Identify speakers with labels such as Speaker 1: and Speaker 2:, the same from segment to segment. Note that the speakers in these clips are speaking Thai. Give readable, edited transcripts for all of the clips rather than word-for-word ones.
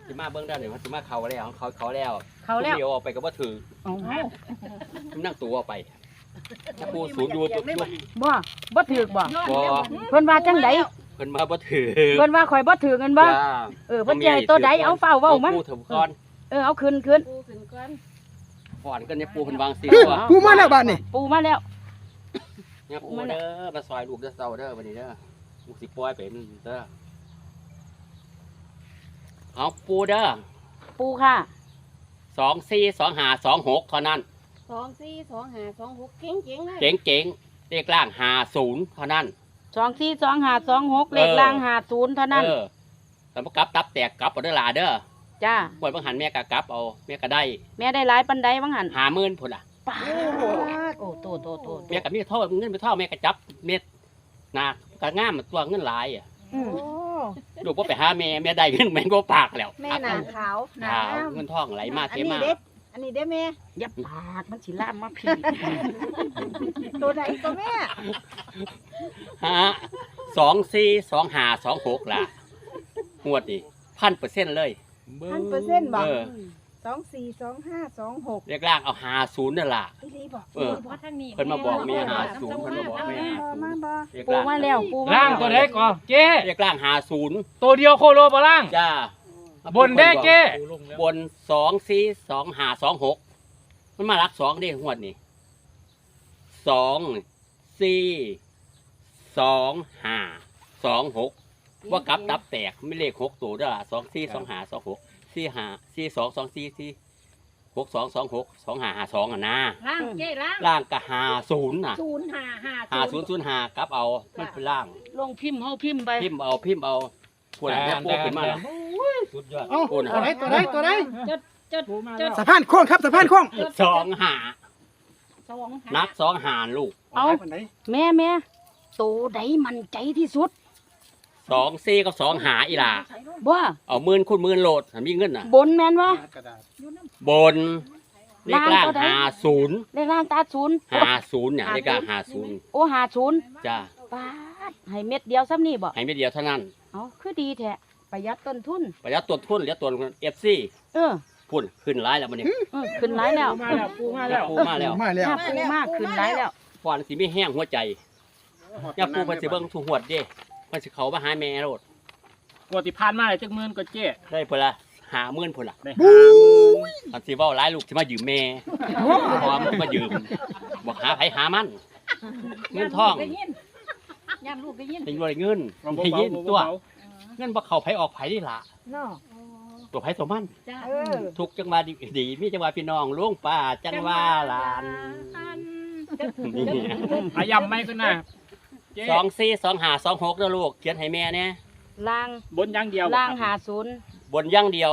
Speaker 1: สิมาเบิ่งได้หนึ่งสิมาเขาแล้วเขาแล้ว
Speaker 2: เขาแล้ว
Speaker 1: เดียวออกไปก็บ่ถือ
Speaker 2: เอา
Speaker 1: นั่งตัวออกไปถ้าปูศูนย์อยู่ปุ๊บ
Speaker 2: บ่ถือกบ่
Speaker 1: บ่
Speaker 2: เพิ่นว่าจังได
Speaker 1: เพิ่นมาบ่ถือ
Speaker 2: เพิ่นว่าข่อยบ่ถือเงินบ่
Speaker 1: จ้า
Speaker 2: เพิ่นสิให้ตัวใดเอาเฝ้าเว้ามา
Speaker 1: ปูถึงก่อน
Speaker 2: เอาขึ้น
Speaker 3: ปูขึ้นก่อน
Speaker 1: ก่อนก็เนี่ยปูเพิ่นวางสิว่า
Speaker 4: ปูมาแล้วบ้านนี่
Speaker 2: ปูมาแล้ว
Speaker 1: เนี่ยปูเด้อมาซอยลูกเด้อเซาเด้อบัดนี้เด้อลูกสิปล่อยไปมันเด้อเอาปูเด้อ
Speaker 2: ปูค่ะ
Speaker 1: 242526เท่านั้น
Speaker 3: 242526เก่งๆเลย
Speaker 1: เจ๋งเลขล่าง50เท่านั้น
Speaker 2: 242526เลขล่าง50เท่านั้น
Speaker 1: แต่บ่กลับตับแตกกลับเอาเด้อหลาเด้อ
Speaker 2: จ้า
Speaker 1: บ่บ่หันแม่ก็กลับเอาแม่ก็ได้
Speaker 2: แม่ได้หลายปานใดบ้างหั่น
Speaker 1: 50,000พุ่นล่ะ
Speaker 2: ป้าดโอ้โต
Speaker 1: แม่ก็มีเท่าเงินไปเท่าแม่ก็จับเม็ดนะก็งามตัวเงินหลายอ่ะ
Speaker 2: อืม
Speaker 3: โอ้
Speaker 1: ลูกบ่ไปหาแม่ได้เงินแม่ก็ปากแล้ว
Speaker 3: แม่หนาขาวหนา
Speaker 1: ขาว
Speaker 3: งาม
Speaker 1: เงินทองไหลมาเทมา
Speaker 3: อันนี้เด้แม่
Speaker 2: อย่าปากมันสิลามมาพี่
Speaker 3: ตัวไหนก็แม่
Speaker 1: ฮะ242526ล่ะงวดนี่1,000%เลย
Speaker 3: 1,000%บอก
Speaker 1: เออ
Speaker 3: 242526
Speaker 1: เรียกล่างเอา50นั่นล่ะ
Speaker 3: อีหลีบอก
Speaker 1: เออ
Speaker 3: บ่ทางนี้
Speaker 1: เพิ่นมาบอกแม่50เพิ่นมาบอกแม่
Speaker 3: มาบ่
Speaker 1: 50เรียก
Speaker 2: ปู
Speaker 1: ล่าง
Speaker 2: มาแล้วปูมา
Speaker 5: ล่างตัวไหนก่อนเจ๊
Speaker 1: เรียกล่าง50
Speaker 5: ตัวเดียวโคโลบ่ล่าง
Speaker 1: จ้า
Speaker 5: บนได้เจ๊
Speaker 1: บน242526มันมารัก2เด้งวดนี่242526ว่ากลับตับแตกไม่เลข6ตัวเด้อ242526 4542622622262552อ่ะนะ
Speaker 3: ล่างเจ้ล่าง
Speaker 1: ล่างก็50น่ะ
Speaker 3: 0550
Speaker 1: 5005กลับเอามันเป็นล่าง
Speaker 2: ลงพิมพ์เฮาพิมพ์ไป
Speaker 1: พิมพ์เอาพวกนั้นเนี่ยพวกขึ้นมาแล้ว
Speaker 5: สุดยอด
Speaker 4: เอ้า
Speaker 1: ปูน
Speaker 4: ตัวไหนตัวไหน
Speaker 3: จด
Speaker 4: สะพานโค้งครับสะพานโค้ง
Speaker 1: 25นัก25ลูก
Speaker 2: เอา
Speaker 4: บ้านไหน
Speaker 2: แม่โตใดมั่นใจที่สุด
Speaker 1: 24กับ25อีหล่า
Speaker 2: บ่
Speaker 1: เอาหมื่นคูณหมื่นโหลดถ้ามีเงินน่ะ
Speaker 2: บนแม่นวะ
Speaker 4: กระดาษ
Speaker 1: บนเลขล่าง
Speaker 2: ล่างเท่าใด
Speaker 1: 50
Speaker 2: เลขล่างตาศูนย์
Speaker 1: 50เนี่ยเลขล่าง50
Speaker 2: โอ้50
Speaker 1: จ้า
Speaker 2: ปาดให้เม็ดเดียวซ้ำนี่บ่
Speaker 1: ให้ไม่เดียวเท่านั้น
Speaker 2: เอาคือดีแท้ประหยัดต้นทุน
Speaker 1: ประหยัดต้นทุนเหลือต้น FC
Speaker 2: เออ
Speaker 1: พุ่นขึ้นหลายแล้วมื้อนี้
Speaker 2: ขึ้นหลายแล้ว
Speaker 5: มาแล้วปูมาแล้ว
Speaker 1: ปูมาแล้ว
Speaker 4: มาแล้ว
Speaker 2: ถ้าปูมากขึ้นหลายแล้ว
Speaker 1: ฟอนสิมีแห้งหัวใจอย่าปูเพิ่นสิเบิ่งทุกหวดเด้เพิ่นสิเข้ามาหาแม่โลด
Speaker 5: กว่าที่ผ่านมาเลยจักหมื่นก็เจ๊
Speaker 1: ได้พุ่นละ50,000พุ่นล่ะ
Speaker 5: ได้
Speaker 1: อันสิเว้าหลายลูกสิมายืมแม่พร้อมมายืมบอกหาไผหามันเงินทอง
Speaker 3: ได้ยินย่านลูกได้ยิน
Speaker 1: เป็นบ่ได้เงินได้ยินตัวเงินบ่เข้าไผออกไผนี่ล่ะ
Speaker 3: เนาะ
Speaker 1: ตัวไผตัวมัน
Speaker 3: จ้า
Speaker 1: ทุกจังหวะดีมีจังหวะพี่น้องลุงป้าจังหวะหลานนี่
Speaker 5: พยายามไม่ขึ้นนะเจ๊
Speaker 1: 242526เด้อลูกเขียนให้แม่แน่
Speaker 2: ล่าง
Speaker 5: บนอย่างเดียว
Speaker 2: ล่าง
Speaker 5: ครับ
Speaker 2: 50
Speaker 1: บนอย่างเดียว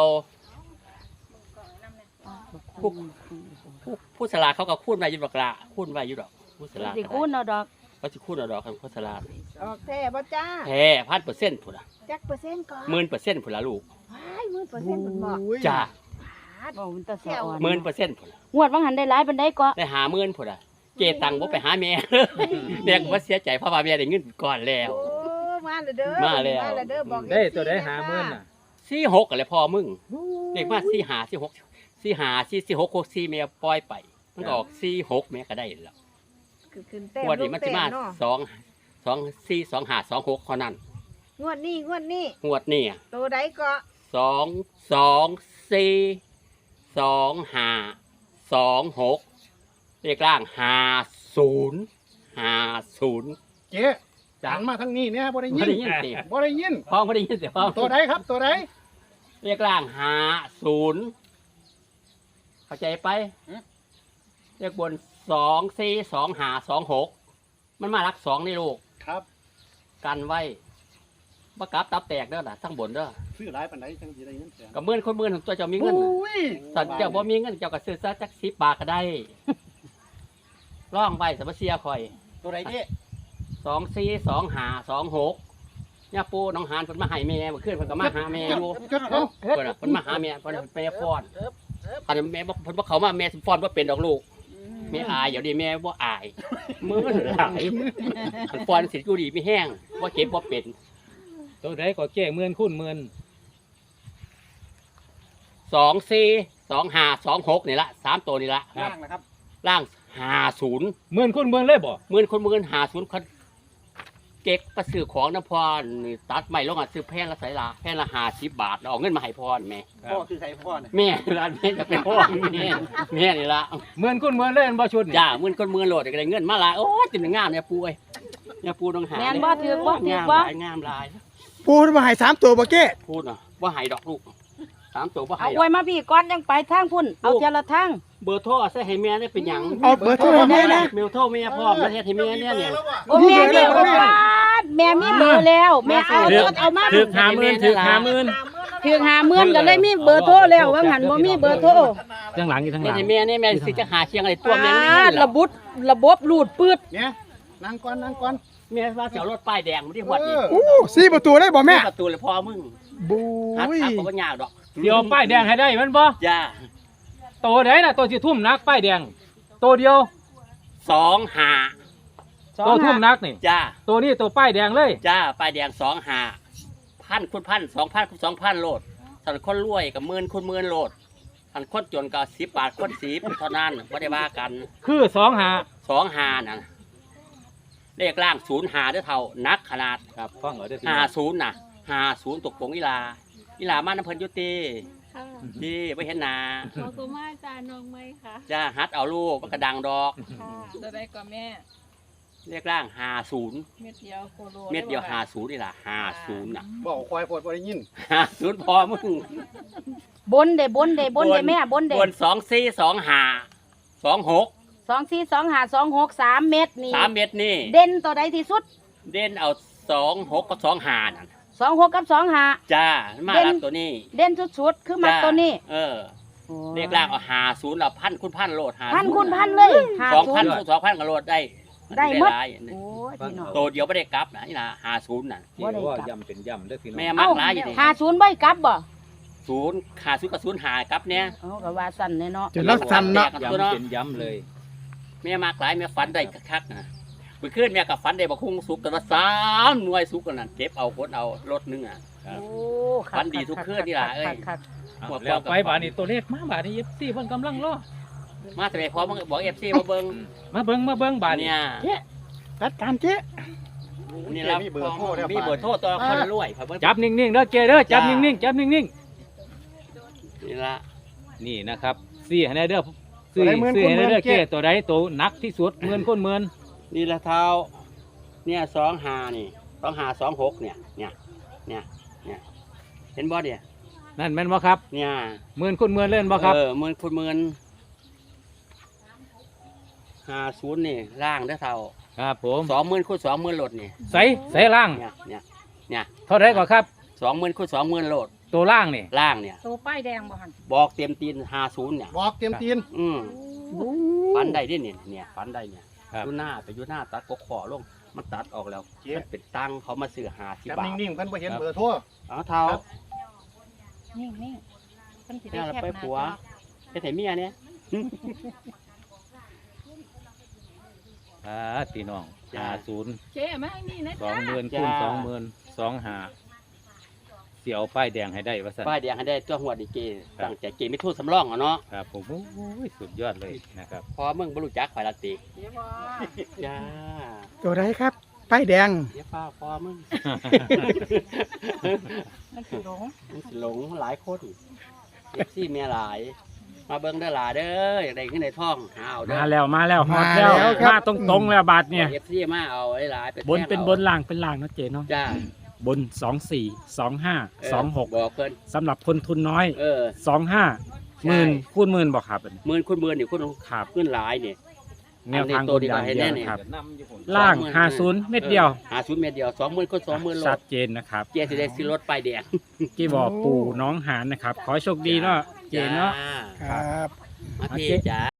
Speaker 1: ผู้สลาดเขาก็คูณไว้อยู่ดอกละคูณไว้อยู่ดอกผู้สลาด
Speaker 2: สิคูณเอาดอก
Speaker 1: เขาสิคูณเอาดอกกันผู้สลาด
Speaker 3: ออกแท้บ่จ้า
Speaker 1: แท้1,000%พุ่นล่ะ
Speaker 3: จักเปอร์เซ็นต์ก่อน
Speaker 1: 10,000%พุ่นล่ะลูก
Speaker 3: ว้าย10,000%มันบอก
Speaker 1: จ้า
Speaker 2: บ่มันตะสะอ่อน
Speaker 1: 10,000%พุ่นล่ะ
Speaker 2: งวดว่างหันได้หลายปานใดก็
Speaker 1: ได้50,000พุ่นล่ะเจตังบ่ไปหาแม่ แม่ก็บ่เสียใจเพราะว่าแม่ได้เงินก่อนแล้ว
Speaker 3: โอ้มาแล้วเด้อ
Speaker 1: มาแล้ว
Speaker 3: เด้อบอก
Speaker 5: ได้ตัวได้50,000น่ะ
Speaker 1: 46ก็เลยพอมึงเด็กมา45 46 45 46 64แม่ปล่อยไปมันก็ออก46แม่ก็ได้แล้ว
Speaker 3: คือขึ้นแต้ม
Speaker 1: งวดนี้มันสิมา
Speaker 3: เนาะ
Speaker 1: 2 4 2 5 2 6เท่านั้น
Speaker 3: งวดนี้
Speaker 1: งวดนี้
Speaker 3: ตัวใดก็
Speaker 1: 2 4 2 5 2 6เลขล่าง50
Speaker 4: เจ๊จังมาทางนี้เนี่ยบ่ได้
Speaker 1: ไม่
Speaker 4: ยิน
Speaker 1: ได้ยินสิ
Speaker 4: บ่ได้ยิน
Speaker 1: พ้องไม่ได้ยินเสียพ้อง
Speaker 4: ตัวไหนครับตัวไหน
Speaker 1: เลขล่าง50เข้าใจไปเลขบน2 4 2 5 2 6มันมารัก2นี่ลูก
Speaker 4: ครับ
Speaker 1: กันไว้บ่กลับตับแตกเด้อล่ะทั้งบนเด้อ
Speaker 4: ซื้อหลายปานใดจังสิได้เงินแสน
Speaker 1: กับหมื่นคนหมื่นของตัวเจ้ามีเงิน
Speaker 4: อุ้ย
Speaker 1: สันเจ้าบ่มีเงินเจ้าก็ซื้อซะจัก10 บาทก็ได้ ร่องไว้สมเสียคอย
Speaker 4: ตัวไหนเจ๊
Speaker 1: 242526ย่าปูน้องหานเพิ่นมาให้แม่เมื่อคืนเพิ่นก็มาหาแม่อยู่
Speaker 4: จดเอา
Speaker 1: เพิ่นน่ะเพิ่นมาหาแม่เพิ่นแม่ฟ้อนอันนั้นแม่บ่เพิ่นบ่เข้ามาแม่ฟ้อนบ่เป็นดอกลูกแม่อายเดี๋ยวนี้แม่บ่อายมื้อหลายเพิ่นฟ้อนสิอยู่ดีมีแห้งบ่เจ็บบ่เป็น
Speaker 5: ตัวไหนก็เจ๊หมื่นคูณหมื่น
Speaker 1: 242526นี่ละ3ตัวนี่ละ
Speaker 4: ล่างนะครับ
Speaker 1: ล่าง50
Speaker 5: หมื่นคุณหมื่นเลยบ่
Speaker 1: หมื่นคนหมื่น50คนเก๊กก็ซื้อของน้ำพรนี่ตัดใหม่ลงอ่ะซื้อแพงละใส่ละแพงละ50 บาทเอาเงินมาให้พรแม่
Speaker 4: พ่อคือใครพ่อเนี่ย
Speaker 1: แม่ร้านแม่จะเป็นพ่อแม่นี่ละ
Speaker 5: หมื่นคุณหมื่นเลยอันบ่ชุดนี่
Speaker 1: จ้าหมื่นคนหมื่นโหลดก็ได้เงินมาหลายโอ้ยจินงามเนี่ยปูเอ้ยเนี่ยปูต้องหา
Speaker 2: แม่นบ่ถือบ่ถือง
Speaker 1: าม
Speaker 2: บ่
Speaker 1: หลายงามหลาย
Speaker 4: ปูมาให้3ตัวบ่เก้
Speaker 1: พูดนะว่าหายดอกลูก3ตัวว่าหา
Speaker 2: เอา
Speaker 1: ยด
Speaker 2: ไว้
Speaker 1: อก
Speaker 2: มาพี่ก่อนยังไปทางพุ่นเอาเจละทาง
Speaker 1: เบอร์โทรใส่ให้แม่ได้เป็นหยัง
Speaker 4: เอาเบอร์โทรให้แม่นะ
Speaker 1: เมลโทรแม่พร้อมแล้วเฮ็ดให้แม่เนี่ยเนี่ย
Speaker 2: โอ้แม่มีเบอร์แล้วแม่มีเบอร์แล้วแม่เอารถเอามา
Speaker 5: ถึกหาหมื่นถึกหาหมื่น
Speaker 2: ถึง50,000ก็เลยมีเบอร์โทรแล้วว่าหันบ่มีเบอร์โทร
Speaker 5: ทั้งหลังอยู่ทั้งห
Speaker 1: เฮ็
Speaker 5: ลั
Speaker 1: ด
Speaker 5: ง
Speaker 1: ให้แม่เนี่ยแม่สิจะหาเชียงอะไรตัวแม่นี่
Speaker 2: ระบบรูดปืด
Speaker 4: เนี่ยนั่งก่อนนั่งก่อน
Speaker 1: แม่ว่าจะเอารถป้ายแดงมาที่หวดนี่
Speaker 4: 4ประตูได้บ่แม่
Speaker 1: ประตูเลยพอมึง
Speaker 4: บู
Speaker 1: หัด
Speaker 4: ย
Speaker 1: ทักบ่ยากดอก
Speaker 5: เดี๋ยวป้ายแดงให้ได้มันบ่
Speaker 1: จ้า
Speaker 5: โตไหนน่ะโตสิทุ่มนักป้ายแดงโตเดียว
Speaker 1: 25
Speaker 5: โตทุ่มนักนี่
Speaker 1: จ้า
Speaker 5: โตนี้โตป้ายแดงเลย
Speaker 1: จ้าป้ายแดง25พันคูณพัน2,000คูณ2,000โลดสันคนรวยกับหมื่นคูณหมื่นโลดสันคนจนก็10 บาทคน10เท่านั้นบ่ได้ว่ากัน
Speaker 5: คือ
Speaker 1: 25น่ะเลขล่าง05เด้อเท่านักขนาด
Speaker 5: ครับฟังเอาเด้อพี่
Speaker 1: 50น่ะ50ตกปงอีลามาน้ำเพิ่นอยู่ติ
Speaker 6: ค่ะ
Speaker 1: ดีบ่เห็นหน้า
Speaker 6: ขอกุมาจานน้องไหมคะ
Speaker 1: จ้าฮัดเอาลูกมันก็ดังดอก
Speaker 6: ค่ะจะได้ก่อนแม่
Speaker 1: เลขล่าง50
Speaker 6: เม็ดเดียวโคโล
Speaker 1: เม็ดเดียว50นี่ล่ะ50น่ะ
Speaker 4: บอกควายปวดบ่ได้ยิน
Speaker 1: 50พอมึง
Speaker 2: บนเด้แม่บนเด้
Speaker 1: บน242526
Speaker 2: 242526 3 เม็ดนี่
Speaker 1: 3เม็ดนี่
Speaker 2: เด่นตัวใดที่สุด
Speaker 1: เด่นเอา26กับ25นั่น
Speaker 2: 26กับ25
Speaker 1: จ้ามา
Speaker 2: เด่น
Speaker 1: รับตัวนี้
Speaker 2: เด่นสุดๆคือมักตัวนี้
Speaker 1: เออเลขล่างเอา50เอาพันคูณพันโลด50
Speaker 2: พันคูณพันเลย
Speaker 1: 2,000คูณ2,000ก็โลดได้
Speaker 2: ได้หมด
Speaker 1: หลาย
Speaker 2: โอ้ยพี่น้อง
Speaker 1: ตัวเดียวไม่ได้กลับนะนี่นะ50น่ะ
Speaker 5: ที่ว่าย่ำเป็นย่ำเด้อพี่น้อง
Speaker 1: แม่มักหลายอยู่นี่
Speaker 2: 50บ่กลับบ่
Speaker 1: 50กับ05กลับเนี่ย
Speaker 2: เอาก็ว่าสั่นแน่เนาะ
Speaker 4: จะรักสันเนาะ
Speaker 5: ย่ำเป็นย่ำเลย
Speaker 1: แม่มักหลายแม่ฝันได้คักๆนะเมื่อคืนแม่กับฝันได้บักคุ้งสุกกันว่า3หน่วยสุกกันนั่นเก็บเอาคนเอารถนึงอ่ะ
Speaker 2: โอ้
Speaker 1: ฝันดีทุกคืนนี่ล่ะเอ้ย
Speaker 2: คัก
Speaker 5: เอาแล้วไปบาดนี้ตัวเลขมาบาดนี้ FC เพิ่นกำลังรอ
Speaker 1: มาแต่พร้อมบอก FC มาเบิ่ง
Speaker 5: มาเบิ่งบาดนี้
Speaker 1: เนี่ย
Speaker 4: จัดการเจ๊
Speaker 1: นี่ล่ะ
Speaker 4: มีเบอร์โทรแล้ว
Speaker 1: มีเบอร์โทรตัวคนรวยครับ
Speaker 5: จับนิ่งๆเด้อเจเด้อจับนิ่งๆจับนิ่ง
Speaker 1: นี่ล่ะ
Speaker 5: ๆนี่นะครับซี่ให้ได้เด้อซี่ให้ได้เด้อเจตัวใดตัวหนักที่สุดหมื่นคนหมื่น
Speaker 1: นี่ละเท้าเนี่ย25นี่2526เนี่ยเห็นบ่เนี่ย
Speaker 5: นั่นแม่นบ่ครับ
Speaker 1: เนี่ย
Speaker 5: หมื่นคนหมื่นเล่นบ่ครับ
Speaker 1: หมื่นคูณหมื่น50นี่ล่างเด้อเท่า
Speaker 5: ครับผม
Speaker 1: 20,000คูณ20,000โหลดนี่
Speaker 5: ใส่ล่าง
Speaker 1: เนี่ย
Speaker 5: เท่าไรก่อนครับ
Speaker 1: 20,000คูณ20,000โหลด
Speaker 5: ตัวล่างนี่
Speaker 1: ล่างเนี่ย
Speaker 2: ๆตัวป้ายแดงบ่หั่น
Speaker 1: บอกเต็มตีน50เนี่ย
Speaker 4: บอกเตรียมตีน
Speaker 1: ฟันได้ดิเนี่ยฟันได้เนี่ย
Speaker 5: ครับ
Speaker 1: อยู่หน้าตัดกกขอลงมันตัดออกแล้วมันเป็นตังเขามาซื้อ50
Speaker 4: จับบ
Speaker 1: าท
Speaker 4: นิ่งๆเพิ่นบ่เห็นเบอร์โทร
Speaker 1: เอาเท่า
Speaker 2: นิ่งๆเพิ่นสิได้
Speaker 1: เนี่ยเรา
Speaker 2: แคบ
Speaker 1: ไป
Speaker 2: หน้า
Speaker 1: ผัวไปไถเมียเนี่ย
Speaker 5: พี่น้อง
Speaker 1: จ้า
Speaker 5: 50
Speaker 6: เจ๊มาให้นี่นะจ๊ะ
Speaker 5: 20,000คูณ20,000 25เสียวป้ายแดงให้ได้ว่าซั่น
Speaker 1: ป้ายแดงให้ได้ตัวหัวดีเก
Speaker 5: ครับ
Speaker 1: ตั้งใจเกไม่ทูดสำรองอ่ะเนาะ
Speaker 5: ครับผมโอ้ยสุดยอดเลยนะครับ
Speaker 1: พอมึงบรรลุจักข่อยละติ
Speaker 6: เจ๊บอ
Speaker 1: จ้า
Speaker 4: ตัวใดครับป้ายแดง
Speaker 1: เดี๋ยวป้าพอมึง
Speaker 2: มันสิหลง
Speaker 1: มันสิหลงหลายคนซี่เมียหลาย มาเบิ่งเด้อหลาเด้ออยากได้ขึ้นในท้องหาเอาเด้อ
Speaker 5: มาแล้วฮอดแล้ว
Speaker 4: มาแล้วครับ
Speaker 5: มาตรงๆแล้วบาทเนี่ย
Speaker 1: เอฟซีมาเอาไอ้หลายไป
Speaker 5: บนเป็นบนล่างเป็นล่างนะเจเนาะ
Speaker 1: จ้า
Speaker 5: บน 24 25 26
Speaker 1: บอกเพิ่น
Speaker 5: สำหรับคนทุนน้อย 25
Speaker 1: ใช่
Speaker 5: หมื่นคูณหมื่นบอกครับ
Speaker 1: หมื่นคุณหมื่นนี่คุณ
Speaker 5: ครับ
Speaker 1: ขึ้นหลายนี่
Speaker 5: แนวทาง
Speaker 1: อันนี้ตัวดีกว่า
Speaker 5: บน
Speaker 1: ให้
Speaker 5: อย่าง
Speaker 1: แน่
Speaker 5: เดียว
Speaker 1: นี่
Speaker 5: ครับล่าง 50 เม็ดเดียว
Speaker 1: 50 เม็ดเดียว20,000คน20,000โล
Speaker 5: ชัดเจนนะครับ
Speaker 1: เจสิได้ซื้อรถป้ายแดง
Speaker 5: ที่บอกปู่น้องหานนะครับ ขอให้โชคดีเนาะเจเนาะ
Speaker 1: จ้
Speaker 4: ครับ
Speaker 1: มาพี่จ้า